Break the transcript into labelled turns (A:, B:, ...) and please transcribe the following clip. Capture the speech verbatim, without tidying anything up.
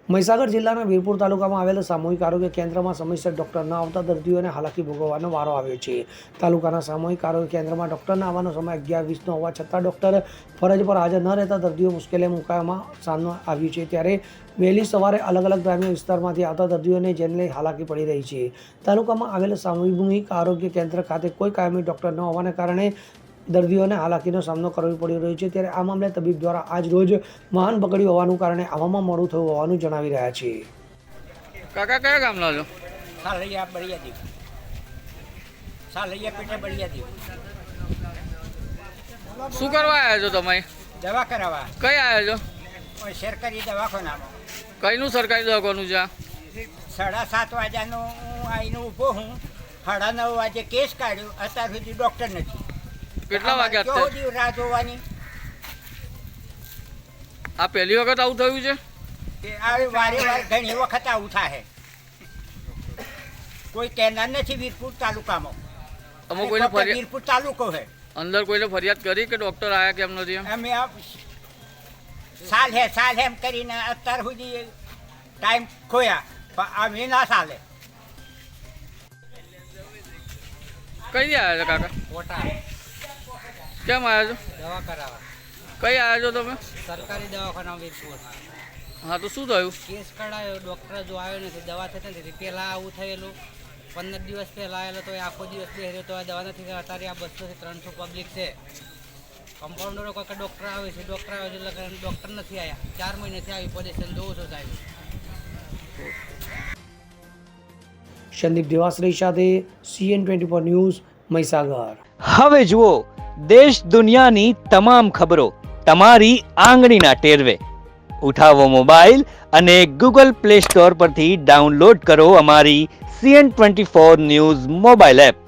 A: મહીસાગર જિલ્લાના વીરપુર તાલુકામાં આવેલ સામૂહિક આરોગ્ય કેન્દ્રમાં સમયસર ડોક્ટર ન આવતા દર્દીઓને હાલાકી ભોગવવાનો વારો આવ્યો છે. તાલુકાના સામૂહિક આરોગ્ય કેન્દ્રમાં ડોક્ટરના આવવાનો સમય અગિયાર વીસનો હોવા છતાં ડોક્ટર ફરજ પર હાજર ન રહેતા દર્દીઓ મુશ્કેલી મુકાવામાં સામનો આવ્યું છે. ત્યારે વહેલી સવારે અલગ અલગ ગ્રામ્ય વિસ્તારમાંથી આવતા દર્દીઓને જેને લઈ હાલાકી પડી રહી છે. તાલુકામાં આવેલ સામૂહિક આરોગ્ય કેન્દ્ર ખાતે કોઈ કાયમી ડોક્ટર ન હોવાને કારણે દર્દીઓને હાલાકીનો સામનો કરવો પડી રહ્યો છે. ત્યારે આ મામલે તબીબ દ્વારા આજ રોજ વાહન પકડ્યું હોવાનું કારણે આવવામાં મોડું થયું હોવાનું જણાવી રહ્યા છે.
B: કાકા કયા ગામના છો?
C: સાલૈયા બળિયાદેવ. સાલૈયા પેટે બળિયાદેવ.
B: શું કરવા આવ્યા છો તમે?
C: દવા કરાવવા.
B: કઈ આવ્યા છો?
C: કોઈ સરકારી દવાખાનામાં.
B: કઈનું સરકારી દવાખાનું છે?
C: સાડા સાત વાગ્યાનો હું આવીને ઊભો હું. સાડા નવ વાગે કેસ કાઢ્યો, અત્યાર સુધી ડૉક્ટર નથી.
B: કેટલા વાગ્યા
C: કેવો દી રાહ જોવાની?
B: આ પહેલી વખત આવું થયું છે
C: કે આવી વારે વાર ઘણી વખત આવું થાય. કોઈ કહેનાર નથી વીરપુર તાલુકામાં.
B: અમે કોઈને ફરિયાદ
C: વીરપુર તાલુકો છે.
B: અંદર કોઈને ફરિયાદ કરી કે ડોક્ટર આયા કેમ નથી એમ?
C: અમે આ સાલ હે સાલ એમ કરીને અત્યાર સુધી ટાઈમ ખોયા, પણ અમે ના ચાલે.
B: કઈ આવ્યા છો કાકા?
C: ખોટા
B: કેમ આવ્યા છો?
C: દવા કરાવવા.
B: કઈ આવ્યા છો તમે?
C: સરકારી દવાખાના વીરપુર.
B: હા તો શું થયું?
C: કેસ કઢાયો, ડૉક્ટર જો આવ્યો નથી, દવા થતી નથી. પહેલાં આવું થયેલું, પંદર દિવસ પહેલાં આવેલો તો આખો દિવસ બેહ્યો તો આ દવા નથી. અત્યારે આ બસોથી ત્રણસો પબ્લિક છે. કમ્પાઉન્ડરો કોઈ ડૉક્ટર આવે છે, ડૉક્ટર આવે છે એટલે ડૉક્ટર નથી આવ્યા. ચાર મહિનાથી આવી પોઝિશન જોઉં છું સાહેબ.
A: સંદીપ દેવાશ્રી સાથે CN twenty four news Mahisagar.
D: હવે જુઓ દેશ દુનિયાની તમામ ખબરો તમારી આંગળીના ટેરવે. ઉઠાવો મોબાઈલ અને ગૂગલ પ્લે સ્ટોર પરથી ડાઉનલોડ કરો અમારી CN twenty four news mobile app.